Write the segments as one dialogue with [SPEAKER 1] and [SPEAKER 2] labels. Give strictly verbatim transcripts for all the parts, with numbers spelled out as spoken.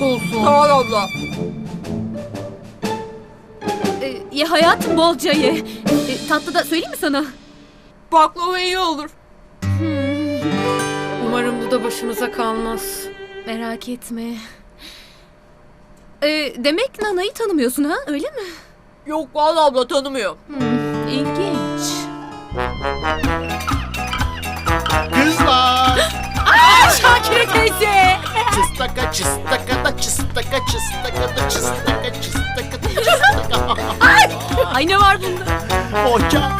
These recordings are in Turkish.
[SPEAKER 1] afiyet olsun.
[SPEAKER 2] Sağ ol abla.
[SPEAKER 3] Ee, ye hayatım, bolca ye. Ee, tatlı da söyleyeyim mi sana?
[SPEAKER 2] Baklava iyi olur.
[SPEAKER 1] Umarım bu da başımıza kalmaz.
[SPEAKER 3] Merak etme. Ee, demek Nana'yı tanımıyorsun ha, öyle mi?
[SPEAKER 2] Yok vallahi abla tanımıyor.
[SPEAKER 3] Hmm, ilginç.
[SPEAKER 4] Kızlar!
[SPEAKER 3] Şakire teyze!
[SPEAKER 4] Çıstaka çıstaka da çıstaka çıstaka da çıstaka çıstaka da çıstaka.
[SPEAKER 3] Ay ne var bunda?
[SPEAKER 4] Hoca!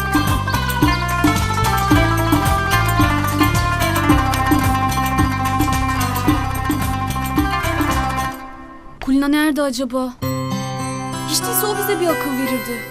[SPEAKER 5] Kulina nerede acaba? Hiç değilse o bize bir akıl verirdi.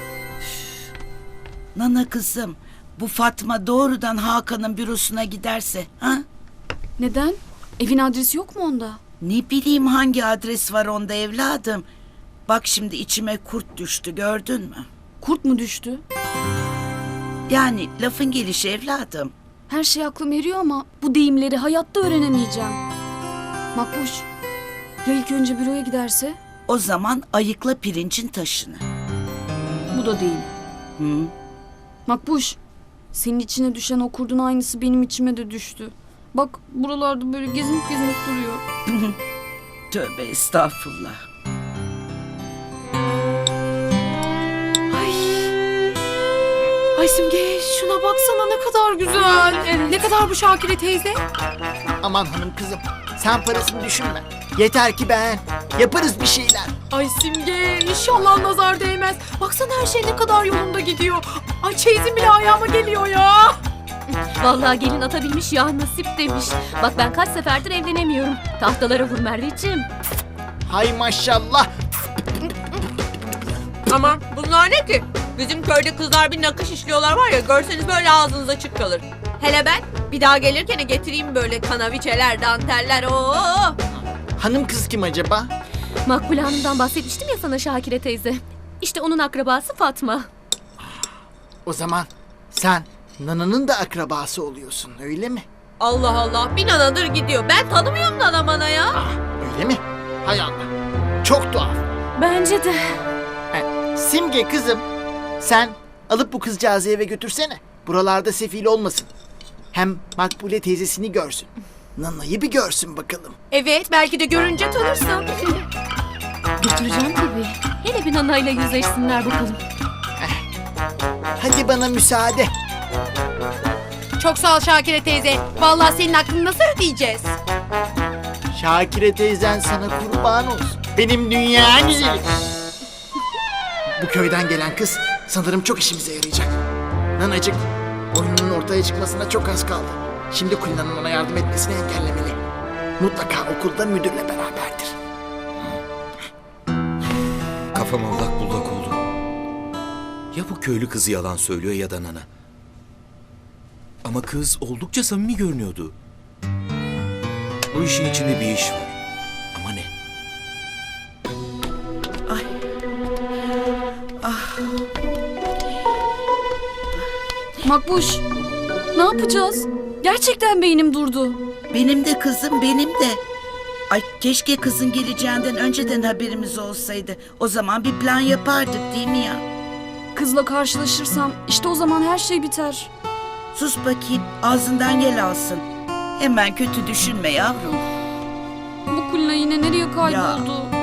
[SPEAKER 6] Nana kızım, bu Fatma doğrudan Hakan'ın bürosuna giderse, ha?
[SPEAKER 5] Neden? Evin adresi yok mu onda?
[SPEAKER 6] Ne bileyim hangi adres var onda evladım. Bak şimdi içime kurt düştü, gördün mü?
[SPEAKER 5] Kurt mu düştü?
[SPEAKER 6] Yani lafın gelişi evladım.
[SPEAKER 5] Her şey aklım eriyor ama bu deyimleri hayatta öğrenemeyeceğim. Makbuş, ya ilk önce büroya giderse?
[SPEAKER 6] O zaman ayıkla pirincin taşını.
[SPEAKER 5] Bu da değil.
[SPEAKER 6] Hı?
[SPEAKER 5] Makbuş, senin içine düşen o kurdun aynısı benim içime de düştü. Bak buralarda böyle gezinip gezinip duruyor.
[SPEAKER 6] Tövbe estağfurullah.
[SPEAKER 1] Ay. Ay Simge, şuna baksana ne kadar güzel. Ne kadar bu Şakire teyze?
[SPEAKER 4] Aman hanım kızım, sen parasını düşünme. Yeter ki ben. Yaparız bir şeyler.
[SPEAKER 1] Ay Simge, inşallah nazar değmez. Baksana her şey ne kadar yolunda gidiyor. Ay çeyizim bile ayağıma geliyor ya.
[SPEAKER 3] Vallahi gelin atabilmiş ya, nasip demiş. Bak ben kaç seferdir evlenemiyorum. Tahtalara vur Merveciğim.
[SPEAKER 4] Hay maşallah.
[SPEAKER 2] Aman bunlar ne ki? Bizim köyde kızlar bir nakış işliyorlar var ya, görseniz böyle ağzınız açık kalır. Hele ben bir daha gelirken getireyim böyle kanaviçeler, danteller. Oo.
[SPEAKER 4] Hanım kız kim acaba?
[SPEAKER 3] Makbule Hanım'dan bahsetmiştim ya sana Şakire teyze. İşte onun akrabası Fatma.
[SPEAKER 4] O zaman sen Nana'nın da akrabası oluyorsun, öyle mi?
[SPEAKER 2] Allah Allah, bir nanadır gidiyor. Ben tanımıyorum nana mana ya.
[SPEAKER 4] Ah, öyle mi? Hay Allah. Çok tuhaf.
[SPEAKER 3] Bence de.
[SPEAKER 4] He, Simge kızım, sen alıp bu kızcağızı eve götürsene. Buralarda sefil olmasın. Hem Makbule teyzesini görsün. Nana'yı bir görsün bakalım.
[SPEAKER 2] Evet, belki de görünce tanırsın.
[SPEAKER 3] Götüreceğim tabii. Hele bir Nana'yla yüzleşsinler bakalım.
[SPEAKER 4] Hadi bana müsaade.
[SPEAKER 1] Çok sağ ol Şakire teyze. Vallahi senin aklını nasıl ödeyeceğiz?
[SPEAKER 4] Şakire teyzen sana kurban olsun. Benim dünya güzeli. Bu köyden gelen kız sanırım çok işimize yarayacak. Nanacık, oyunun ortaya çıkmasına çok az kaldı. Şimdi Kulina'nın ona yardım etmesini engellemeli. Mutlaka okulda müdürle beraberdir.
[SPEAKER 7] Kafam allak bullak oldu. Ya bu köylü kızı yalan söylüyor ya da Nana. Ama kız oldukça samimi görünüyordu. Bu işin içinde bir iş var. Ama ne?
[SPEAKER 6] Ay. Ah.
[SPEAKER 5] Makbuş, ne yapacağız? Gerçekten beynim durdu.
[SPEAKER 6] Benim de kızım, benim de. Ay keşke kızın geleceğinden önceden haberimiz olsaydı. O zaman bir plan yapardık değil mi ya?
[SPEAKER 5] Kızla karşılaşırsam işte o zaman her şey biter.
[SPEAKER 6] Sus bakayım, ağzından yel alsın. Hemen kötü düşünme yavrum.
[SPEAKER 5] Bu Kulina yine nereye kayboldu?